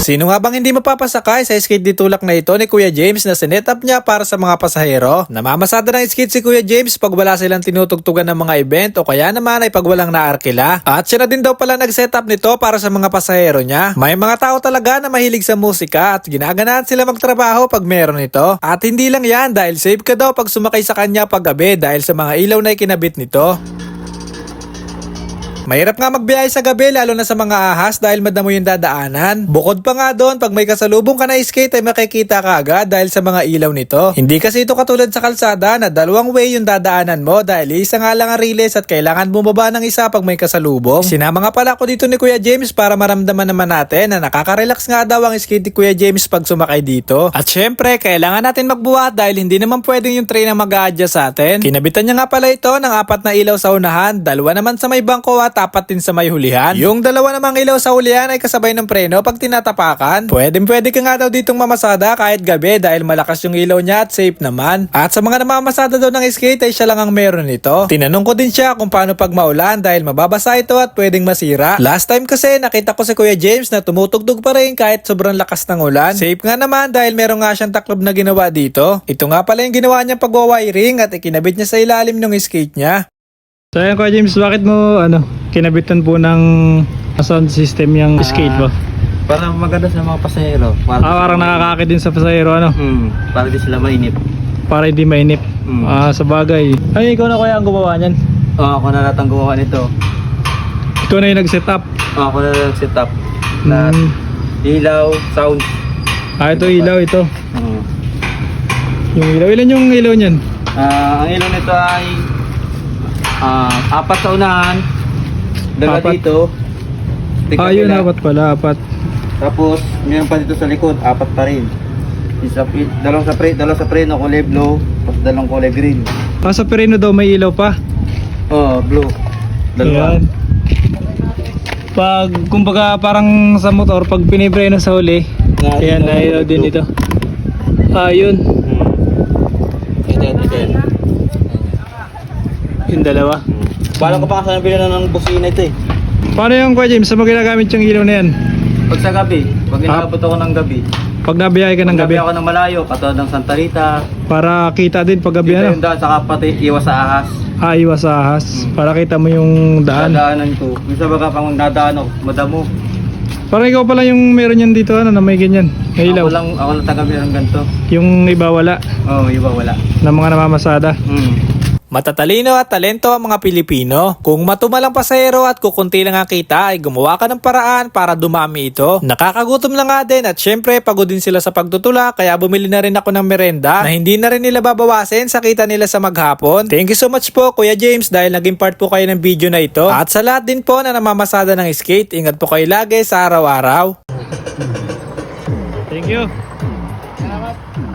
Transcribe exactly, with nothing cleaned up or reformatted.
Sino nga bang hindi mapapasakay sa skate ditulak na ito ni Kuya James na sinet-up niya para sa mga pasahero? Namamasada ng skate si Kuya James pag wala silang tinutugtugan ng mga event o kaya naman ay pag walang naarkila. At siya na din daw pala nag-setup nito para sa mga pasahero niya. May mga tao talaga na mahilig sa musika at ginaganahan sila magtrabaho pag meron ito. At hindi lang yan dahil safe ka daw pag sumakay sa kanya pag gabi dahil sa mga ilaw na ikinabit nito. Mahirap nga magbiyahe sa gabi lalo na sa mga ahas dahil madamo yung dadaanan. Bukod pa nga doon, pag may kasalubong ka na skate ay makikita ka agad dahil sa mga ilaw nito. Hindi kasi ito katulad sa kalsada na dalawang way yung dadaanan mo dahil isa nga lang ang riles at kailangan bumaba ng isa pag may kasalubong. Sinama nga pala ako dito ni Kuya James para maramdaman naman natin na nakaka-relax nga daw ang skate ni Kuya James pag sumakay dito. At syempre, kailangan natin magbuhat dahil hindi naman pwedeng yung train ang mag-a-adjust sa atin. Kinabitan niya nga pala ito ng apat na ilaw sa unahan, dalawa naman sa may bangko at apat din sa may hulihan. Yung dalawa namang ilaw sa hulihan ay kasabay ng preno pag tinatapakan. Pwedeng pwede ka nga daw ditong mamasada kahit gabi dahil malakas yung ilaw niya at safe naman. At sa mga namamasada daw ng skate ay siya lang ang meron nito. Tinanong ko din siya kung paano pag maulan dahil mababasa ito at pwedeng masira. Last time kasi nakita ko si Kuya James na tumutugtog pa rin kahit sobrang lakas ng ulan. Safe nga naman dahil meron nga siyang taklob na ginawa dito. Ito nga pala yung ginawa niyang pagwawiring at ikinabit niya sa ilalim ng skate niya. So ayun Kuya James, bakit mo ano, kinabitan po ng sound system yung skate mo? Para maganda sa mga pasahero. Para Ah, parang nakakakit din sa pasahero ano? Hmm, para di sila mainip. Para hindi mainip. Mm. Ah, sa bagay. Ay, ikaw na kuya ang gumawa niyan? Oh, ako na lahat ang gumawa nito. Ikaw na yung nag-set up? Oh, ako na nag-set up. Lahat. Hmm. Ilaw, sound. Ah, ito ilaw ito. Hmm. Yung ilaw, ilan yung ilaw niyan? Ah, ang ilaw nito ay ah, apat sa unahan. Dalawa Apat. dito. Ah, yun, apat pala, apat. Tapos, meron pa dito sa likod, apat pa rin. Isa, dalawang sa pre, dalawang sa preno, kulay blue, tapos dalawang kulay green. Ah, sa Perino daw may ilaw pa. Oh, blue. Dalawa. Ayan. Pag, kumbaga parang sa motor, pag pinipreno sa huli, Na- ayan, ito, na ilaw din blue. ito. Ah, yun. Hmm. Ito, ito, ito. Yung dalawa. Bala ko pa kasi nabili na ng busina ito eh. Paano yung Kuya James, sa mga ginagamit yung ilaw na yan? Pag sa gabi, pag inaabot ako ng gabi, Pag nabiyahe ka ng pag gabi, gabi ako ng malayo, katulad ng Santa Rita, para kita din pag gabi dito ano? yung daan, saka pati iwas sa ahas. Ah, iwas sa ahas. Hmm. Para kita mo yung daan. Dadaanan ko. Minsan baga pang dadaan ako, madamo. Parang ikaw pala yung meron yan dito ano, na may ganyan. May ilaw. Ako lang, ako lang tagabi ng ganito. Yung iba wala. Oo, oh, iba wala. Na mga namamasada. Hmm. Matatalino at talento ang mga Pilipino. Kung matumalang pasahero at kukunti lang ang kita ay gumawa ka ng paraan para dumami ito. Nakakagutom lang nga din at syempre pagod din sila sa pagtutula kaya bumili na rin ako ng merenda na hindi na rin nila babawasin sa kita nila sa maghapon. Thank you so much po Kuya James dahil naging part po kayo ng video na ito. At sa lahat din po na namamasada ng skate, ingat po kayo lagi sa araw-araw. Thank you.